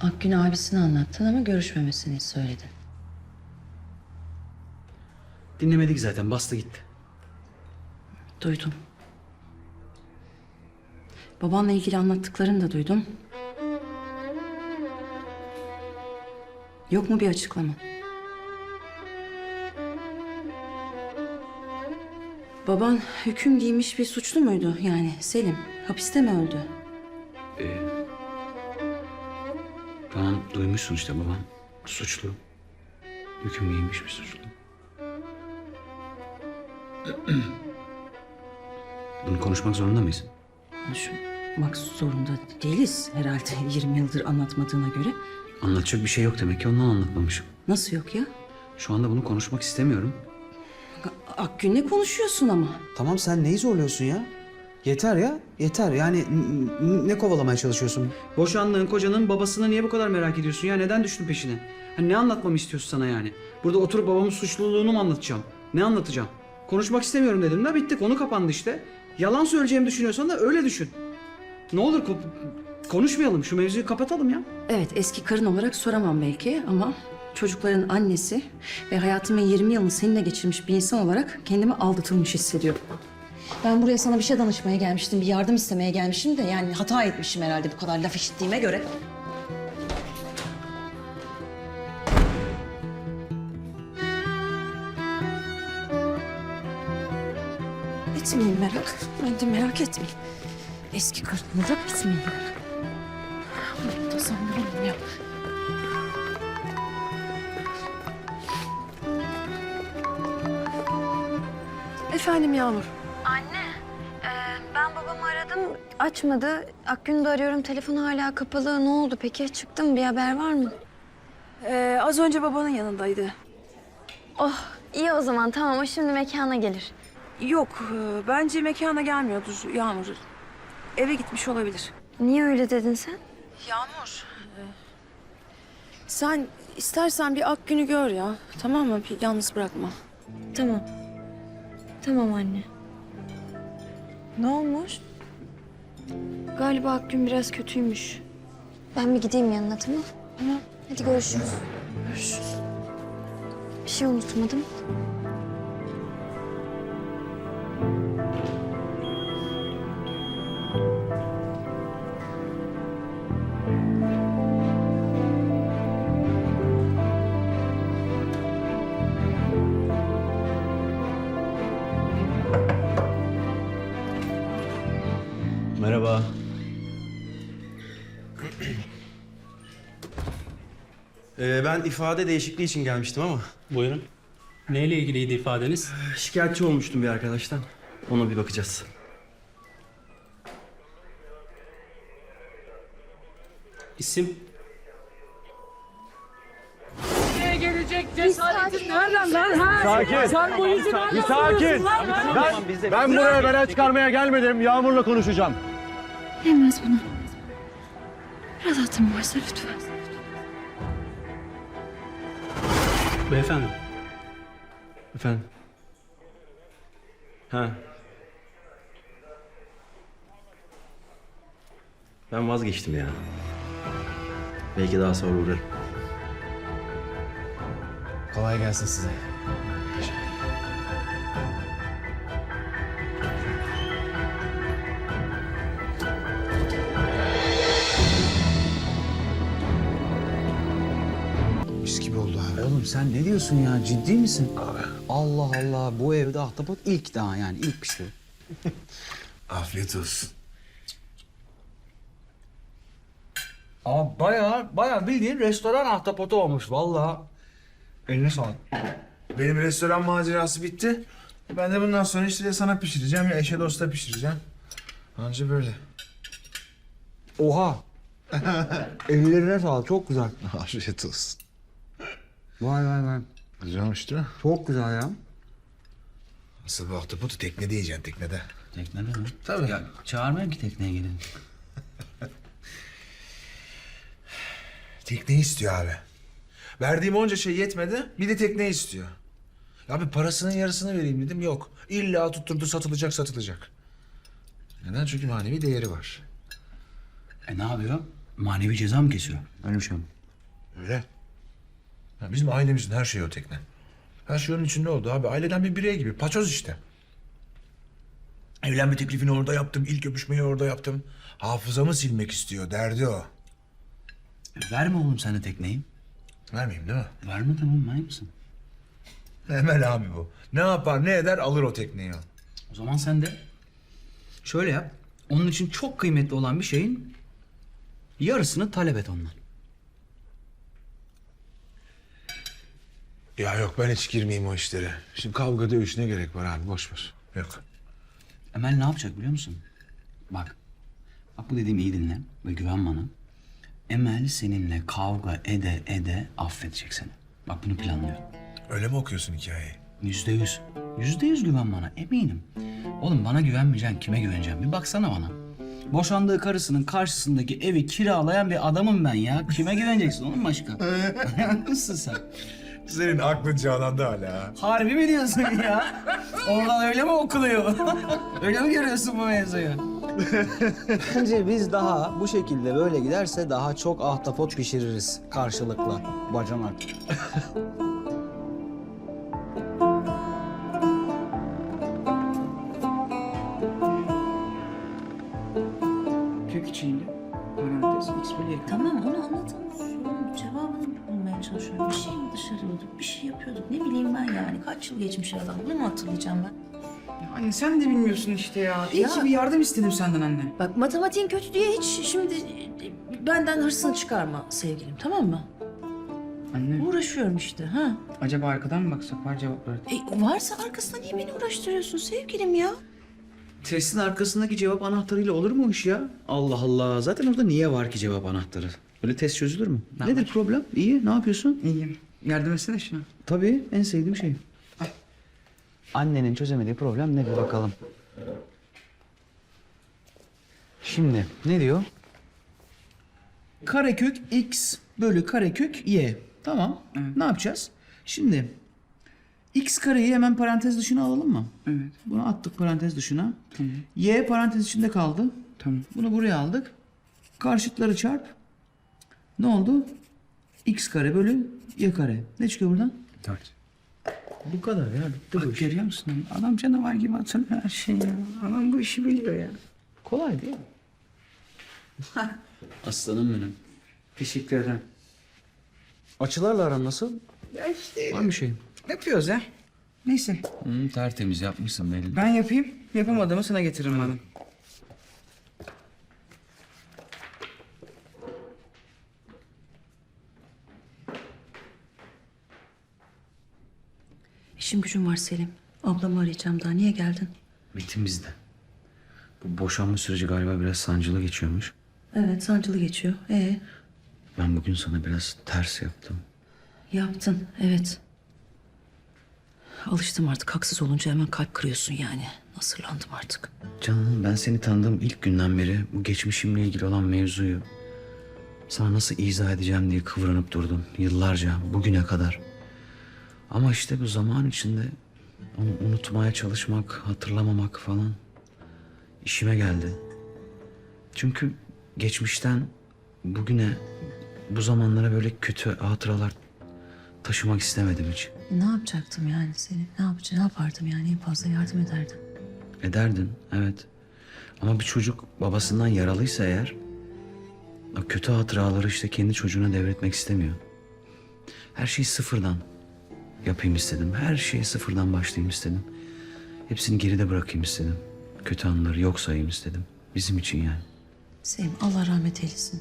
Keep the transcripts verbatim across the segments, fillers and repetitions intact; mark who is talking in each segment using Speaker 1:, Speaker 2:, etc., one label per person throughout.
Speaker 1: Akgün abisini anlattın ama görüşmemesini söyledin.
Speaker 2: Dinlemedik zaten, bastı gitti.
Speaker 1: Duydum. Babanla ilgili anlattıklarını da duydum. Yok mu bir açıklama? Baban hüküm giymiş bir suçlu muydu yani Selim? Hapiste mi öldü?
Speaker 2: Ee, tamam, duymuşsun işte, babam suçlu. Hüküm giymiş bir suçlu. Bunu konuşmak zorunda mıyız?
Speaker 1: Konuşmak zorunda değiliz herhalde yirmi yıldır anlatmadığına göre.
Speaker 2: Anlatacak bir şey yok demek ki, ondan anlatmamışım.
Speaker 1: Nasıl yok ya?
Speaker 2: Şu anda bunu konuşmak istemiyorum.
Speaker 1: Akgün'le konuşuyorsun ama.
Speaker 3: Tamam, sen neyi zorluyorsun ya? Yeter ya, yeter. Yani n- n- ne kovalamaya çalışıyorsun?
Speaker 2: Boşandığın kocanın babasını niye bu kadar merak ediyorsun ya? Neden düştün peşine? Hani ne anlatmamı istiyorsun sana yani? Burada oturup babamın suçluluğunu mu anlatacağım? Ne anlatacağım? Konuşmak istemiyorum dedim de bitti, konu kapandı işte. Yalan söyleyeceğimi düşünüyorsan da öyle düşün. Ne olur ko- konuşmayalım, şu mevzuyu kapatalım ya.
Speaker 1: Evet, eski karın olarak soramam belki ama çocukların annesi ve hayatımın yirmi yılını seninle geçirmiş bir insan olarak kendimi aldatılmış hissediyorum. Ben buraya sana bir şey danışmaya gelmiştim, bir yardım istemeye gelmişim de yani hata etmişim herhalde bu kadar laf işittiğime göre. Etmeyin merak, ben de merak etmeyin. Eski karını da etmeyin merak. Bunu da sanırım ya. Efendim Yağmur.
Speaker 4: Anne, e, ben babamı aradım, açmadı. Akgün'ü de arıyorum, telefonu hala kapalı. Ne oldu peki? Çıktı mı? Bir haber var mı?
Speaker 1: Ee, az önce babanın yanındaydı.
Speaker 4: Oh, iyi o zaman. Tamam, o şimdi mekana gelir.
Speaker 1: Yok, e, bence mekana gelmiyordur Yağmur. Eve gitmiş olabilir.
Speaker 4: Niye öyle dedin sen?
Speaker 1: Yağmur. e, sen istersen bir Akgün'ü gör ya. Tamam mı? Bir yalnız bırakma.
Speaker 4: Tamam. Tamam anne.
Speaker 1: Ne olmuş?
Speaker 4: Galiba Akgün biraz kötüymüş. Ben bir gideyim yanına, tamam?
Speaker 1: Tamam.
Speaker 4: Hadi görüşürüz.
Speaker 1: Görüşürüz.
Speaker 4: Bir şey unutmadım.
Speaker 3: Merhaba.
Speaker 5: Ee, ben ifade değişikliği için gelmiştim ama
Speaker 6: Buyurun. Neyle ilgiliydi ifadeniz?
Speaker 5: şikayetçi olmuştum bir arkadaştan. Ona bir bakacağız.
Speaker 6: İsim?
Speaker 7: Sakin. Sen bu yüzü bir sakin. Ben, ben buraya bela çıkarmaya gelmedim. Yağmur'la konuşacağım.
Speaker 4: Yemez bunu. Biraz hatırım varsa lütfen.
Speaker 6: Beyefendi.
Speaker 5: Efendim? Ha. Ben vazgeçtim ya. Belki daha sonra uğrarım.
Speaker 3: Kolay gelsin size.
Speaker 8: Mis gibi oldu abi.
Speaker 3: Oğlum sen ne diyorsun ya? Ciddi misin? Allah Allah. Bu evde ahtapot ilk daha yani. ilk pişti.
Speaker 8: Afiyet olsun.
Speaker 7: Ama bayağı bayağı bildiğin restoran ahtapotu olmuş vallahi. Eline sağlık.
Speaker 8: Benim restoran macerası bitti. Ben de bundan sonra işte ya sana pişireceğim ya eşe dosta pişireceğim. Anca böyle.
Speaker 7: Oha. Ellerine sağlık. Çok güzel.
Speaker 8: Afiyet olsun.
Speaker 7: Vay vay vay.
Speaker 8: Güzel olmuş değil mi?
Speaker 7: Çok güzel ya.
Speaker 8: Asıl bu ahtapotu teknede yiyeceksin teknede.
Speaker 2: Teknede mi?
Speaker 8: Tabii.
Speaker 2: Ya çağırmayayım ki tekneye gelin.
Speaker 8: Tekneyi istiyor abi. Verdiğim onca şey yetmedi. Bir de tekneyi istiyor. Ya abi parasının yarısını vereyim dedim. Yok. İlla tutturdu satılacak satılacak. Neden? Çünkü manevi değeri var.
Speaker 2: E ne yapıyor?
Speaker 3: Manevi ceza mı kesiyor? Öyle bir şey mi?
Speaker 8: Öyle. Ya bizim ailemizin her şeyi o tekne. Her şey onun içinde oldu abi. Aileden bir birey gibi. Paçoz işte. Evlenme teklifini orada yaptım. İlk öpüşmeyi orada yaptım. Hafızamı silmek istiyor. Derdi o.
Speaker 3: E, verme oğlum sen de tekneyi.
Speaker 8: Vermeyeyim değil mi?
Speaker 3: Verme tamam manyak mısın?
Speaker 8: Emel abi bu. Ne yapar ne eder alır o tekneyi.
Speaker 3: O zaman sen de şöyle yap. Onun için çok kıymetli olan bir şeyin yarısını talep et ondan.
Speaker 8: Ya yok ben hiç girmeyeyim o işlere. Şimdi kavga dövüş ne gerek var abi boş ver. Yok.
Speaker 3: Emel ne yapacak biliyor musun? Bak. Bak bu dediğimi iyi dinle ve güven bana. Emel seninle kavga ede ede affedecek seni. Bak bunu planlıyor.
Speaker 8: Öyle mi okuyorsun hikayeyi?
Speaker 3: Yüzde yüz. Yüzde yüz güven bana eminim. Oğlum bana güvenmeyeceksin kime güveneceğim? Bir baksana bana. Boşandığı karısının karşısındaki evi kiralayan bir adamım ben ya. Kime güveneceksin oğlum başka? Haklısın sen.
Speaker 8: Senin aklın çağlandı hala.
Speaker 3: Harbi mi diyorsun ya? Oradan öyle mi okuluyor? Öyle mi görüyorsun bu mevzuyu? Bence biz daha bu şekilde böyle giderse daha çok ahtapot pişiririz karşılıklı bacanak.
Speaker 2: Kök içinde parantez x bölü y.
Speaker 9: Tamam onu anladım. Sorunun cevabını bulmaya çalışıyorum. Bir şey mi dışarıyorduk, bir şey yapıyorduk. Ne bileyim ben yani. Kaç yıl geçmiş adam. Bunu mu hatırlayacağım ben?
Speaker 2: Ya anne sen de bilmiyorsun işte ya. İyi
Speaker 9: Ya.
Speaker 2: ki bir yardım istedim senden anne.
Speaker 9: Bak matematiğin kötü diye hiç şimdi benden hırsını çıkarma sevgilim, tamam mı?
Speaker 2: Anne
Speaker 9: Uğraşıyorum işte, ha.
Speaker 2: acaba arkadan mı baksak var cevapları?
Speaker 9: E, varsa arkasında niye beni uğraştırıyorsun sevgilim ya?
Speaker 3: Testin arkasındaki cevap anahtarıyla olur mu o iş ya? Allah Allah. Zaten orada niye var ki cevap anahtarı? Böyle test çözülür mü?
Speaker 2: Ne
Speaker 3: Nedir
Speaker 2: var?
Speaker 3: problem? İyi. Ne yapıyorsun?
Speaker 2: İyiyim. Yardım etsene şuna.
Speaker 3: Tabii. En sevdiğim şey. Annenin çözemediği problem ne bir bakalım. Şimdi ne diyor? Karekök x bölü karekök y. Tamam.
Speaker 2: Evet.
Speaker 3: Ne yapacağız? Şimdi x kareyi hemen parantez dışına alalım mı?
Speaker 2: Evet.
Speaker 3: Bunu attık parantez dışına.
Speaker 2: Tamam.
Speaker 3: Y parantez içinde kaldı.
Speaker 2: Tamam.
Speaker 3: Bunu buraya aldık. Karşıtları çarp. Ne oldu? X kare bölü y kare. Ne çıkıyor buradan?
Speaker 2: Dört.
Speaker 3: Bu kadar ya. Bitti bu
Speaker 2: Bak
Speaker 3: iş.
Speaker 2: görüyor musun? Adam canavar gibi hatırlıyor her şeyi ya. Adam bu işi biliyor ya.
Speaker 3: Kolay değil mi? Aslanım benim.
Speaker 2: Teşekkür ederim.
Speaker 3: Açılarla aran nasıl?
Speaker 2: Ya işte
Speaker 3: Var mı bir şey?
Speaker 2: yapıyoruz ya. Neyse
Speaker 3: Hmm, tertemiz yapmışsın belli.
Speaker 2: ben yapayım. Yapamadığımı sana getiririm madem.
Speaker 1: İşim gücüm var Selim. Ablamı arayacağım daha. Niye geldin?
Speaker 3: Metin bizde. Bu boşanma süreci galiba biraz sancılı geçiyormuş.
Speaker 1: Evet, sancılı geçiyor. Ee,
Speaker 3: Ben bugün sana biraz ters yaptım.
Speaker 1: yaptın. Evet. Alıştım artık. Haksız olunca hemen kalp kırıyorsun yani. Nasırlandım artık.
Speaker 3: Canım ben seni tanıdığım ilk günden beri bu geçmişimle ilgili olan mevzuyu sana nasıl izah edeceğim diye kıvranıp durdum yıllarca bugüne kadar. Ama işte bu zaman içinde onu unutmaya çalışmak, hatırlamamak falan işime geldi. Çünkü geçmişten bugüne bu zamanlara böyle kötü hatıralar taşımak istemedim hiç.
Speaker 1: Ne yapacaktım yani Selim? Ne yapacağım? Ne yapardım yani? En fazla yardım ederdim.
Speaker 3: Ederdin, evet. Ama bir çocuk babasından yaralıysa eğer... ...o kötü hatıraları işte kendi çocuğuna devretmek istemiyor. Her şeyi sıfırdan yapayım istedim. Her şeyi sıfırdan başlayayım istedim. Hepsini geride bırakayım istedim. Kötü anıları yok sayayım istedim. Bizim için yani.
Speaker 1: Selim Allah rahmet eylesin.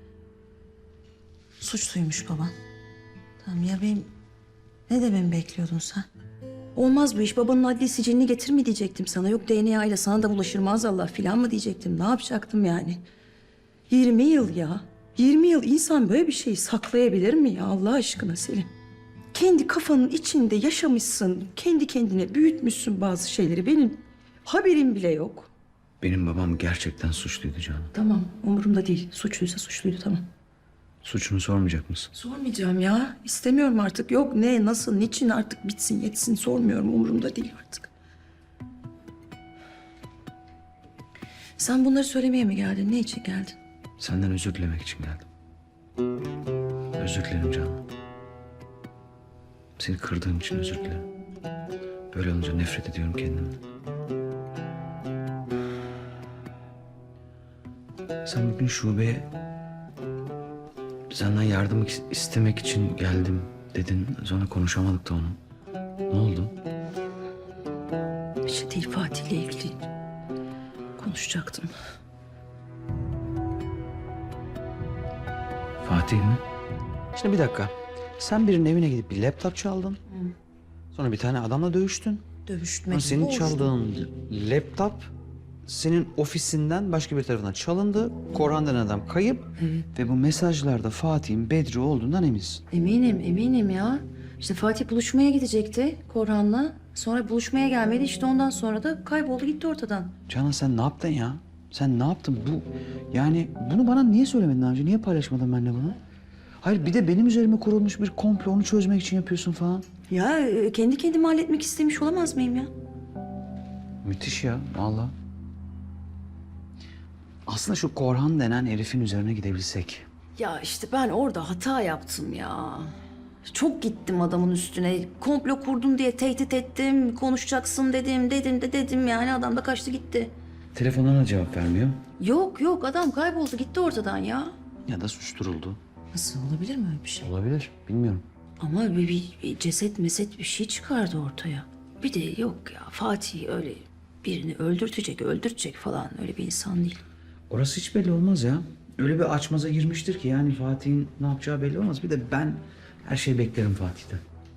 Speaker 1: Suçluymuş baban. Tamam ya benim... Ne dememi bekliyordun sen? Olmaz bu iş. Babanın adli sicilini getir mi diyecektim sana. Yok D N A ile sana da bulaşır maazallah filan mı diyecektim. Ne yapacaktım yani? yirmi yıl ya. yirmi yıl insan böyle bir şeyi saklayabilir mi ya Allah aşkına Selim? Kendi kafanın içinde yaşamışsın. Kendi kendine büyütmüşsün bazı şeyleri. Benim haberim bile yok.
Speaker 3: Benim babam gerçekten suçluydu canım.
Speaker 1: Tamam umurumda değil. Suçluysa suçluydu tamam.
Speaker 3: Suçunu sormayacak mısın?
Speaker 1: Sormayacağım ya. İstemiyorum artık. Yok ne, nasıl, niçin artık bitsin, yetsin sormuyorum. Umurumda değil artık. Sen bunları söylemeye mi geldin? Ne için geldin?
Speaker 3: Senden özür dilemek için geldim. Özür dilerim Canan. Seni kırdığım için özür dilerim. Böyle olunca nefret ediyorum kendimden. Sen bugün şubeye senden yardım istemek için geldim dedin. Sonra konuşamadık da onu. Ne oldu?
Speaker 1: Bir şey değil, Fatih'le ilgili konuşacaktım.
Speaker 3: Fatih mi? Şimdi bir dakika. Sen birinin evine gidip bir laptop çaldın. Sonra bir tane adamla dövüştün.
Speaker 1: Dövüştmek
Speaker 3: Sonra senin
Speaker 1: boştu.
Speaker 3: çaldığın laptop senin ofisinden başka bir tarafından çalındı. Korhan denen adam kayıp. Ve bu mesajlarda Fatih'in Bedri olduğundan eminsin.
Speaker 1: Eminim, eminim ya. İşte Fatih buluşmaya gidecekti Korhan'la. Sonra buluşmaya gelmedi. İşte ondan sonra da kayboldu gitti ortadan.
Speaker 3: Canan sen ne yaptın ya? Sen ne yaptın? Bu yani bunu bana niye söylemedin daha önce? Niye paylaşmadın benimle bunu? Hayır bir de benim üzerime kurulmuş bir komplo onu çözmek için yapıyorsun falan.
Speaker 1: Ya e, kendi kendime halletmek istemiş olamaz mıyım ya?
Speaker 3: Müthiş ya vallahi. Aslında şu Korhan denen herifin üzerine gidebilsek.
Speaker 1: Ya işte ben orada hata yaptım ya. Çok gittim adamın üstüne. Komplo kurdum diye tehdit ettim. Konuşacaksın dedim, dedim de dedim yani. Adam da kaçtı gitti.
Speaker 3: Telefonlarına cevap vermiyor.
Speaker 1: Yok yok adam kayboldu gitti ortadan ya.
Speaker 3: Ya da susturuldu.
Speaker 1: Nasıl olabilir mi öyle bir şey?
Speaker 3: Olabilir. Bilmiyorum.
Speaker 1: Ama bir, bir, bir ceset meset bir şey çıkardı ortaya. Bir de yok ya Fatih öyle birini öldürtecek, öldürtecek falan öyle bir insan değil.
Speaker 3: Orası hiç belli olmaz ya. Öyle bir açmaza girmiştir ki yani Fatih'in ne yapacağı belli olmaz. Bir de ben her şeyi beklerim Fatih'ten.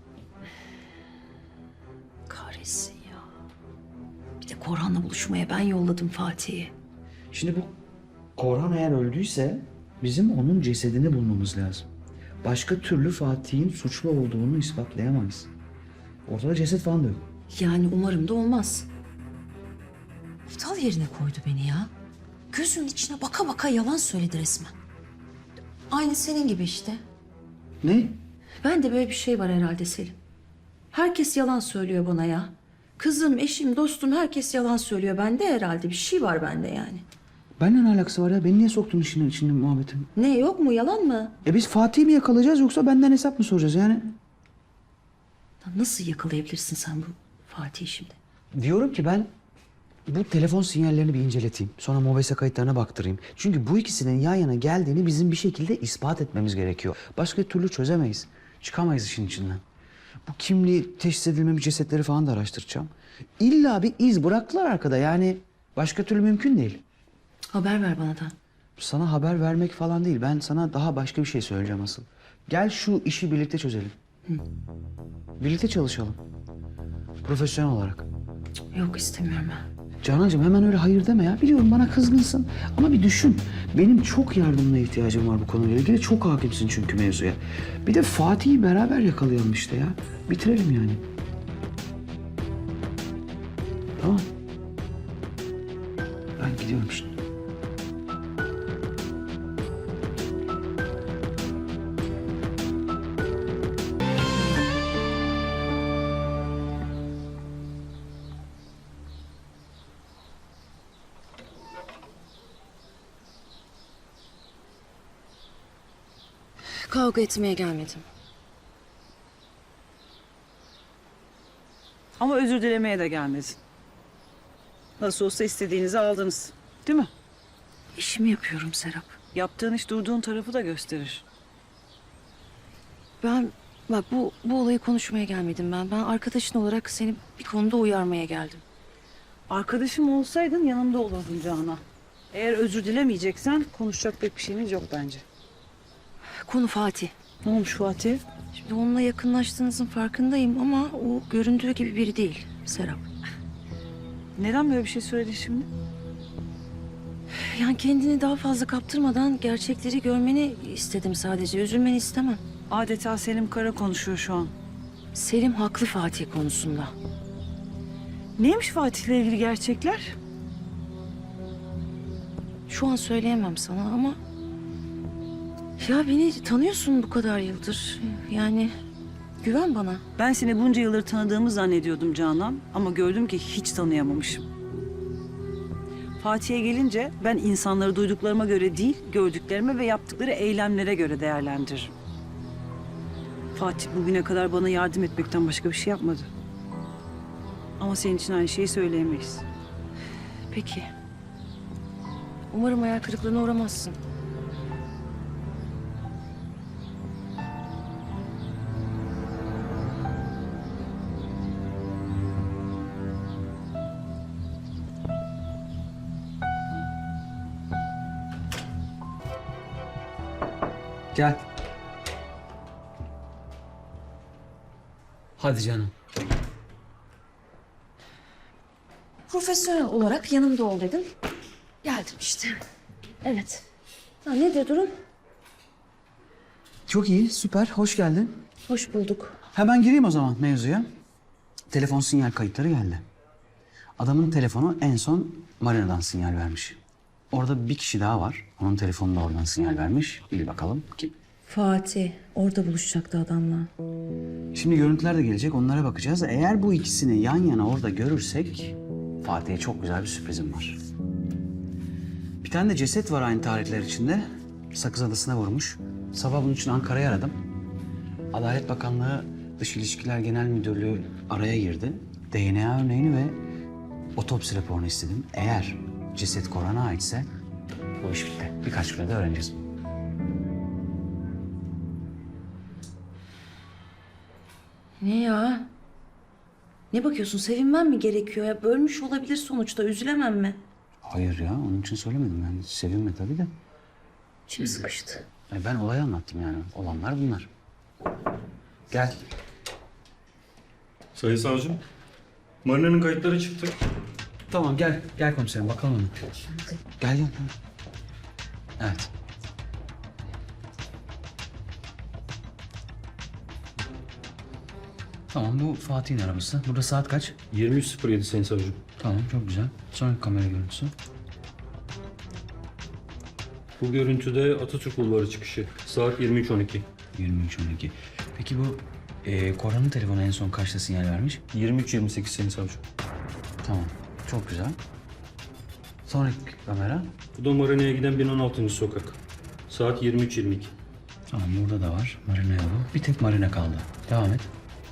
Speaker 1: Kahretsin ya. Bir de Korhan'la buluşmaya ben yolladım Fatih'i.
Speaker 3: Şimdi bu Korhan eğer öldüyse bizim onun cesedini bulmamız lazım. Başka türlü Fatih'in suçlu olduğunu ispatlayamayız. Ortada ceset falan da yok.
Speaker 1: Yani umarım da olmaz. Aptal yerine koydu beni ya. Gözünün içine baka baka yalan söyledi resmen. Aynı senin gibi işte.
Speaker 3: Ne?
Speaker 1: Ben de böyle bir şey var herhalde Selim. Herkes yalan söylüyor bana ya. Kızım, eşim, dostum herkes yalan söylüyor. Bende herhalde bir şey var bende yani.
Speaker 3: Benimle ne alakası var ya? Beni niye soktun işin içinde muhabbetin?
Speaker 1: Ne yok mu yalan mı?
Speaker 3: E biz Fatih'i mi yakalayacağız yoksa benden hesap mı soracağız yani?
Speaker 1: Nasıl yakalayabilirsin sen bu Fatih'i şimdi?
Speaker 3: Diyorum ki ben bu telefon sinyallerini bir inceleteyim. Sonra mobese kayıtlarına baktırayım. Çünkü bu ikisinin yan yana geldiğini bizim bir şekilde ispat etmemiz gerekiyor. Başka türlü çözemeyiz. Çıkamayız işin içinden. Bu kimliği teşhis edilmemiş cesetleri falan da araştıracağım. İlla bir iz bıraktılar arkada yani başka türlü mümkün değil.
Speaker 1: Haber ver bana da.
Speaker 3: Sana haber vermek falan değil. Ben sana daha başka bir şey söyleyeceğim asıl. Gel şu işi birlikte çözelim. Birlikte çalışalım. Profesyonel olarak.
Speaker 1: Yok istemiyorum ben.
Speaker 3: Canancığım hemen öyle hayır deme ya. Biliyorum bana kızgınsın ama bir düşün. Benim çok yardımına ihtiyacım var bu konuyla ilgili. Çok hakimsin çünkü mevzuya. Bir de Fatih'i beraber yakalayalım işte ya. Bitirelim yani. Tamam. Ben gidiyorum şimdi.
Speaker 1: Kavga etmeye gelmedim.
Speaker 10: Ama özür dilemeye de gelmedin. Nasıl olsa istediğinizi aldınız. Değil mi?
Speaker 1: İşimi yapıyorum Serap.
Speaker 10: Yaptığın iş durduğun tarafı da gösterir.
Speaker 1: Ben bak bu bu olayı konuşmaya gelmedim ben. Ben arkadaşın olarak seni bir konuda uyarmaya geldim.
Speaker 10: Arkadaşım olsaydın yanımda olurdun Canan. Eğer özür dilemeyeceksen konuşacak pek bir şeyimiz yok bence.
Speaker 1: Konu Fatih.
Speaker 10: Ne olmuş Fatih?
Speaker 1: Şimdi onunla yakınlaştığınızın farkındayım ama o göründüğü gibi biri değil Serap.
Speaker 10: Neden böyle bir şey söyledin şimdi?
Speaker 1: Yani kendini daha fazla kaptırmadan gerçekleri görmeni istedim sadece. Üzülmeni istemem.
Speaker 10: Adeta Selim Kara konuşuyor şu an.
Speaker 1: Selim haklı Fatih konusunda.
Speaker 10: Neymiş Fatih'le ilgili gerçekler?
Speaker 1: Şu an söyleyemem sana ama... Ya beni tanıyorsun bu kadar yıldır. Yani güven bana.
Speaker 10: Ben seni bunca yıldır tanıdığımı zannediyordum Canan. Ama gördüm ki hiç tanıyamamışım. Fatih'e gelince ben insanları duyduklarıma göre değil, gördüklerime ve yaptıkları eylemlere göre değerlendiririm. Fatih bugüne kadar bana yardım etmekten başka bir şey yapmadı. Ama senin için aynı şeyi söyleyemeyiz.
Speaker 1: Peki. Umarım hayal kırıklığına uğramazsın.
Speaker 2: Gel. Hadi canım.
Speaker 1: Profesyonel olarak yanımda ol dedin. Geldim işte. Evet. Ha, nedir durum?
Speaker 2: Çok iyi, süper. Hoş geldin.
Speaker 1: Hoş bulduk.
Speaker 2: Hemen gireyim o zaman mevzuya. Telefon sinyal kayıtları geldi. Adamın telefonu en son Marina'dan sinyal vermiş. Orada bir kişi daha var. Onun telefonu da oradan sinyal vermiş. Bil bakalım kim?
Speaker 1: Fatih orada buluşacaktı adamla.
Speaker 2: Şimdi görüntüler de gelecek, onlara bakacağız. Eğer bu ikisini yan yana orada görürsek... Fatih'e çok güzel bir sürprizim var. Bir tane de ceset var aynı tarihler içinde. Sakız Adası'na vurmuş. Sabah bunun için Ankara'ya aradım. Adalet Bakanlığı Dış İlişkiler Genel Müdürlüğü araya girdi. D N A örneğini ve otopsi raporunu istedim. Eğer ceset Koran'a aitse bu iş bitti. Birkaç günde öğreneceğiz.
Speaker 1: Ne ya? Ne bakıyorsun? Sevinmem mi gerekiyor ya? Bölmüş olabilir sonuçta. Üzülemem mi?
Speaker 2: Hayır ya, onun için söylemedim. Yani sevinme tabii de.
Speaker 1: İçim sıkıştı.
Speaker 2: Yani ben olayı anlattım yani. Olanlar bunlar. Gel.
Speaker 11: Sayın savcım, Marina'nın kayıtları çıktı.
Speaker 2: Tamam gel. Gel komiserim bakalım onu. Gel gel. Evet. Tamam bu Fatih'in arabası. Burada saat kaç?
Speaker 11: yirmi üç sıfır yedi sayın savcım.
Speaker 2: Tamam çok güzel. Sonraki kamera görüntüsü.
Speaker 11: Bu görüntüde Atatürk Bulvarı çıkışı. Saat yirmi üç on iki.
Speaker 2: yirmi üç on iki. Peki bu e, Koran'ın telefonu en son kaçta sinyal vermiş?
Speaker 11: yirmi üç yirmi sekiz sayın savcım.
Speaker 2: Tamam. Çok güzel. Sonraki kamera.
Speaker 11: Bu da Marina'ya giden bin on altıncı sokak. Saat yirmi üç yirmi iki.
Speaker 2: Tamam burada da var. Marina yolu. Bir tek Marina kaldı. Devam et.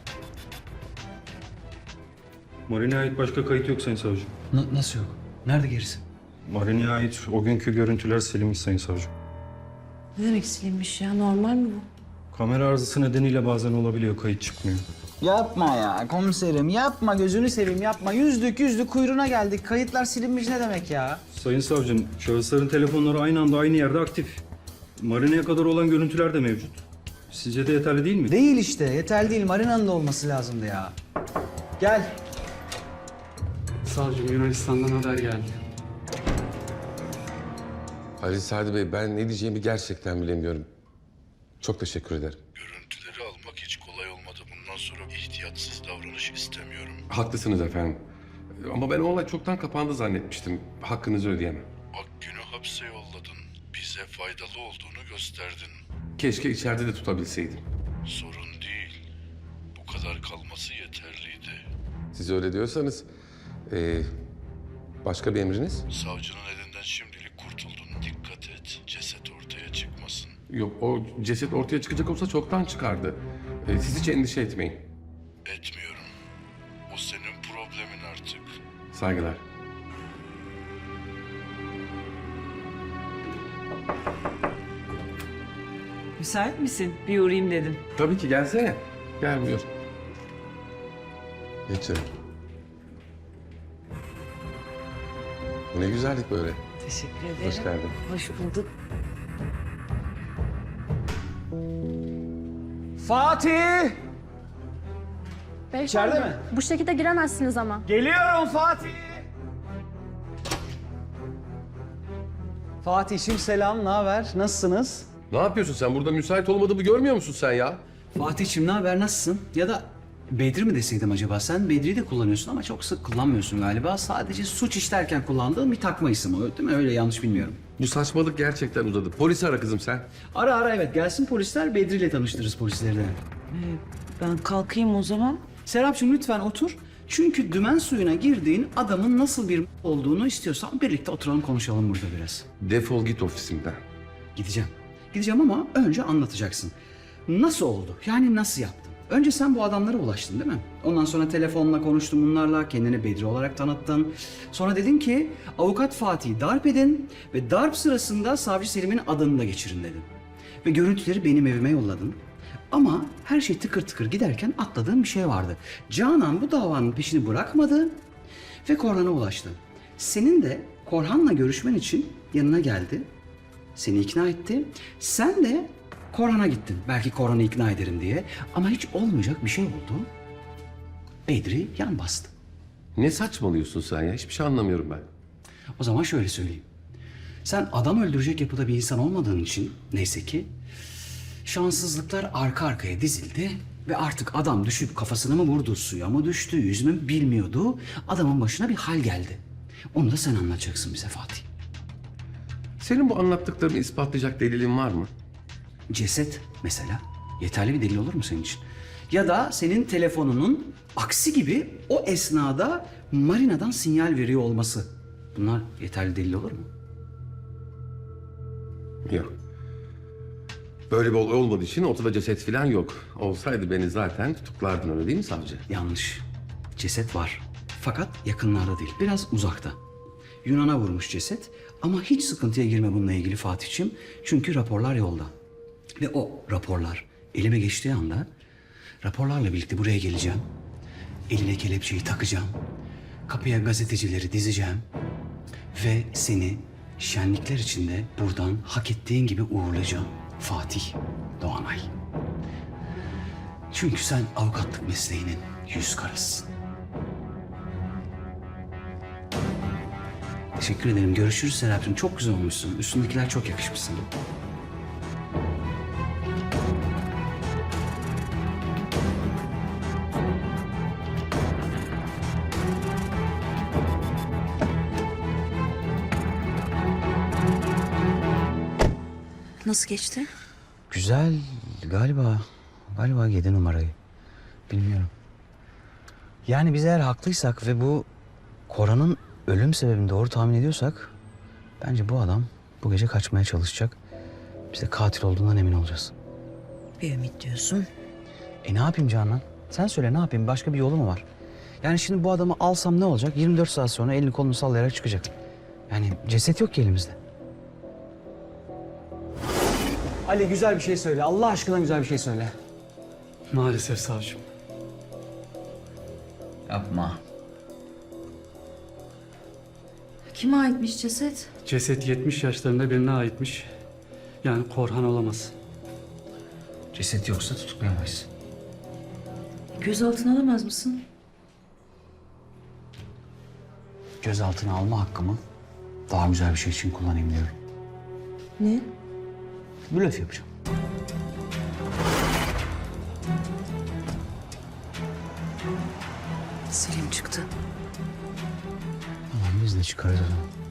Speaker 11: Marina'ya ait başka kayıt yok sayın savcım.
Speaker 2: Na- nasıl yok? Nerede gerisi?
Speaker 11: Marina'ya ait o günkü görüntüler silinmiş sayın savcım.
Speaker 1: Ne demek silinmiş ya? Normal mi bu?
Speaker 11: Kamera arızası nedeniyle bazen olabiliyor, kayıt çıkmıyor.
Speaker 2: Yapma ya komiserim yapma gözünü seveyim yapma. Yüzdük yüzdük kuyruğuna geldik. Kayıtlar silinmiş ne demek ya?
Speaker 11: Sayın savcım, şahısların telefonları aynı anda aynı yerde aktif. Marina'ya kadar olan görüntüler de mevcut. Sizce de yeterli değil mi?
Speaker 2: Değil işte yeterli değil. Marina'nın da olması lazımdı ya. Gel.
Speaker 6: Savcım Yunanistan'dan haber geldi.
Speaker 12: Ali Sadi Bey, ben ne diyeceğimi gerçekten bilemiyorum. Çok teşekkür ederim.
Speaker 13: Görüntüleri almak hiç kolay olmadı. Bundan sonra ihtiyatsız davranış istemiyorum.
Speaker 12: Haklısınız efendim. Ama ben o olay çoktan kapandı zannetmiştim. Hakkınızı ödeyemem.
Speaker 13: Akgün'ü hapse yolladın. Bize faydalı olduğunu gösterdin.
Speaker 12: Keşke içeride de tutabilseydim.
Speaker 13: Sorun değil. Bu kadar kalması yeterliydi.
Speaker 12: Siz öyle diyorsanız... ee, başka bir emriniz?
Speaker 13: Savcının elinden şimdilik kurtuldun. Dikkat et. Ceset ortaya çıkmasın.
Speaker 12: Yok, o ceset ortaya çıkacak olsa çoktan çıkardı. Ee, siz hiç endişe etmeyin.
Speaker 13: Etmiyorum. O senin problemin artık.
Speaker 12: Saygılar.
Speaker 10: Müsait misin? Bir uğrayayım dedim.
Speaker 12: Tabii ki, gelsene. Gel buyur. Geç canım. Bu ne güzellik böyle.
Speaker 10: Teşekkür ederim.
Speaker 12: Hoş geldin.
Speaker 10: Hoş bulduk.
Speaker 2: Fatih! İçeride mi?
Speaker 4: Bu şekilde giremezsiniz ama.
Speaker 2: Geliyorum Fatih! Fatih'im selam, ne haber? Nasılsınız?
Speaker 12: Ne yapıyorsun sen? Burada müsait olmadığımı görmüyor musun sen ya?
Speaker 2: Fatih'im ne haber, nasılsın? Ya da Bedri mi deseydim acaba? Sen Bedri'yi de kullanıyorsun ama çok sık kullanmıyorsun galiba. Sadece suç işlerken kullandığın bir takma isim o, değil mi? Öyle yanlış bilmiyorum.
Speaker 12: Bu saçmalık gerçekten uzadı. Polisi ara kızım sen.
Speaker 2: Ara ara evet, gelsin polisler, Bedri ile tanıştırırız polisleri de.
Speaker 10: Ben kalkayım o zaman.
Speaker 2: Serapcığım lütfen otur.
Speaker 3: Çünkü dümen suyuna girdiğin adamın nasıl bir olduğunu istiyorsan birlikte oturalım konuşalım burada biraz.
Speaker 12: Defol git ofisimden.
Speaker 3: Gideceğim. Gideceğim ama önce anlatacaksın. Nasıl oldu? Yani nasıl yaptın? Önce sen bu adamlara ulaştın değil mi? Ondan sonra telefonla konuştun bunlarla, kendini Bedri olarak tanıttın. Sonra dedin ki avukat Fatih'i darp edin ve darp sırasında savcı Selim'in adını da geçirin dedin. Ve görüntüleri benim evime yolladın. Ama her şey tıkır tıkır giderken atladığın bir şey vardı. Canan bu davanın peşini bırakmadı ve Korhan'a ulaştı. Senin de Korhan'la görüşmen için yanına geldi. Seni ikna etti. Sen de Korhan'a gittin. Belki Korhan'ı ikna ederim diye. Ama hiç olmayacak bir şey oldu. Bedri yan bastı.
Speaker 12: Ne saçmalıyorsun sen ya? Hiçbir şey anlamıyorum ben.
Speaker 3: O zaman şöyle söyleyeyim. Sen adam öldürecek yapıda bir insan olmadığın için neyse ki şanssızlıklar arka arkaya dizildi ve artık adam düşüp kafasına mı vurdu, suya mı düştü, yüz mü bilmiyordu. Adamın başına bir hal geldi. Onu da sen anlatacaksın bize Fatih.
Speaker 12: Senin bu anlattıklarını ispatlayacak delilin var mı?
Speaker 3: Ceset mesela yeterli bir delil olur mu senin için? Ya da senin telefonunun aksi gibi o esnada marinadan sinyal veriyor olması. Bunlar yeterli delil olur mu?
Speaker 12: Yok. Böyle bir olay olmadığı için ortada ceset falan yok. Olsaydı beni zaten tutuklardın, öyle değil mi savcı?
Speaker 3: Yanlış. Ceset var. Fakat yakınlarda değil. Biraz uzakta. Yunan'a vurmuş ceset. Ama hiç sıkıntıya girme bununla ilgili Fatih'ciğim. Çünkü raporlar yolda. Ve o raporlar elime geçtiği anda raporlarla birlikte buraya geleceğim. Eline kelepçeyi takacağım. Kapıya gazetecileri dizeceğim. Ve seni şenlikler içinde buradan hak ettiğin gibi uğurlayacağım. Fatih Doğanay. Çünkü sen avukatlık mesleğinin yüz karasısın. Teşekkür ederim. Görüşürüz Serapcığım. Çok güzel olmuşsun. Üstündekiler çok yakışmış sana.
Speaker 9: Nasıl geçti?
Speaker 3: Güzel galiba. Galiba yedi numarayı. Bilmiyorum. Yani biz eğer haklıysak ve bu Korhan'ın ölüm sebebini doğru tahmin ediyorsak bence bu adam bu gece kaçmaya çalışacak. Biz de katil olduğundan emin olacağız.
Speaker 9: Bir ümit diyorsun.
Speaker 3: E ne yapayım Canan? Sen söyle ne yapayım? Başka bir yolu mu var? Yani şimdi bu adamı alsam ne olacak? yirmi dört saat sonra elini kolunu sallayarak çıkacak. Yani ceset yok ki elimizde.
Speaker 2: Ali güzel bir şey söyle. Allah aşkına güzel bir şey söyle.
Speaker 6: Maalesef savcım.
Speaker 3: Yapma.
Speaker 1: Kime aitmiş ceset?
Speaker 6: Ceset yetmiş yaşlarında birine aitmiş. Yani Korhan olamaz.
Speaker 3: Ceset yoksa tutuklayamayız.
Speaker 1: Gözaltına alamaz mısın?
Speaker 3: Gözaltına alma hakkımı daha güzel bir şey için kullanayım diyorum.
Speaker 1: Ne?
Speaker 3: Blöf yapacağım.
Speaker 9: Selim çıktı.
Speaker 3: Tamam biz de çıkarız o zaman.